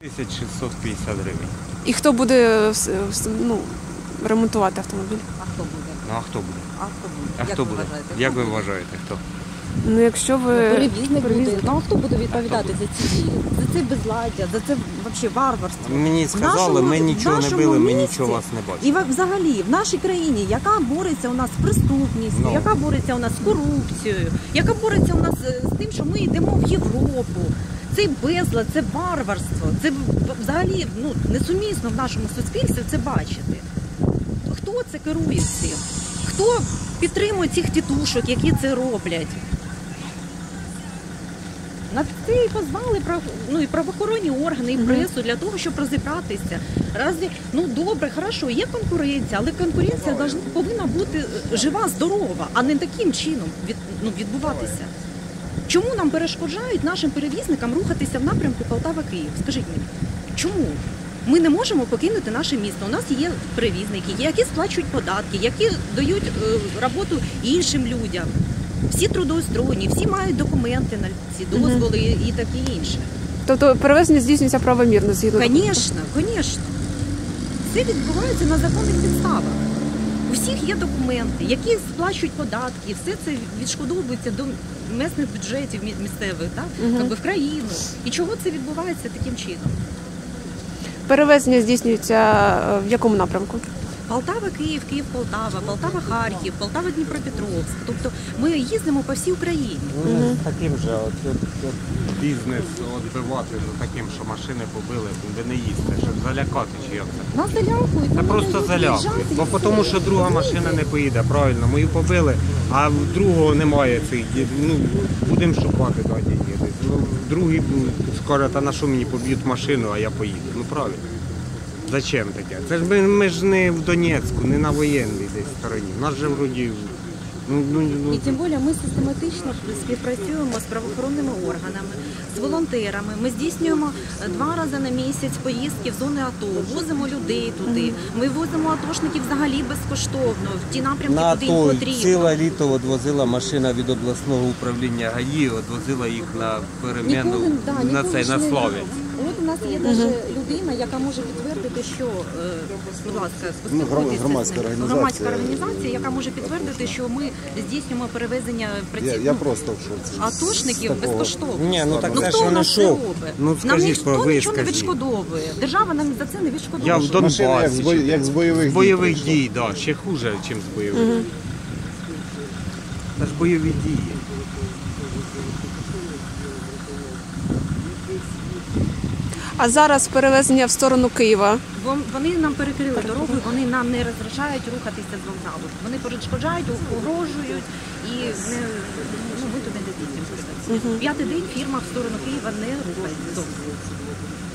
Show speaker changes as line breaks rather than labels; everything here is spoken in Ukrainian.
1650 гривень.
І хто буде ремонтувати автомобіль?
А хто буде?
Ну а хто буде?
А хто буде?
А хто буде? Як ви вважаєте, хто?
Ну, якщо ви...
Перевізник буде. Ну а хто буде відповідати за ці дії? За це безладдя, за це взагалі варварство.
Мені сказали, ми нічого не били, ми нічого вас не бачимо.
І взагалі в нашій країні, яка бореться у нас з преступністю, яка бореться у нас з корупцією, яка бореться у нас з тим, що ми йдемо в Європу. Це безлад, це варварство, це взагалі несумісно в нашому суспільстві це бачити. Хто це керує цим? Хто підтримує цих тітушок, які це роблять? На це і позвали і правоохоронні органи, і пресу для того, щоб розібратися. Добре, хорошо, є конкуренція, але конкуренція повинна бути жива, здорова, а не таким чином відбуватися. Чому нам перешкоджають нашим перевізникам рухатися в напрямку Полтава-Київ? Скажіть мені, чому? Ми не можемо покинути наше місто. У нас є перевізники, які сплачують податки, які дають роботу іншим людям. Всі трудоустроєні, всі мають документи на ці дозволи і таке інше.
Тобто перевезення здійснюється правомірно згідно?
Звісно, звісно. Це відбувається на законних підставах. У всіх є документи, які сплачують податки, все це відшкодовується до місцевих бюджетів місцевих, в країну. І чого це відбувається таким чином?
Перевезення здійснюється в якому напрямку?
Полтава-Київ, Київ-Полтава, Полтава-Харків, Полтава-Дніпропетровськ. Тобто ми їздимо по всій Україні.
Таким же бізнес відбивати за таким, що машини побили, ви не їсте, щоб залякати чи як це?
Нас залякують.
Та просто залякують, бо тому що друга машина не поїде, правильно, мою побили, а в другого немає цих, будемо шукати десь. Другий скаже, та на що мені поб'ють машину, а я поїду, правильно. Зачем таке? Це ж ми ж не в Донецьку, не на воєнній десь стороні. У нас же вроді...
І тим більше ми систематично співпрацюємо з правоохоронними органами, з волонтерами. Ми здійснюємо 2 рази на місяць поїздки в зони АТО, возимо людей туди. Ми возимо атошників взагалі безкоштовно, в ті напрямки, куди їм потрібно.
Ціле літо відвозила машина від обласного управління ГАІ, відвозила їх на переміну, на Слов'янськ.
От у нас є навіть людина, яка може підтвердити, що, будь ласка, громадська організація, яка може підтвердити, що ми здійснюємо перевезення
Я просто в шоці.
атошників безкоштовно.
Ні, так це ж
хто
вони
нас це
що?
робить? Нам ніхто нічого не відшкодовує. Держава нам за це не відшкодовує.
Я в Донбасі.
Як з
бойових дій, так, ще хуже, ніж з бойових дій. Це ж бойові дії.
А зараз перевезення в сторону Києва?
Вони нам перекрили дорогу, вони нам не розрішають рухатися з вокзалу. Вони перешкоджають, погрожують і ми туди не здійснюємо. 5-й день фірма в сторону Києва не рухається.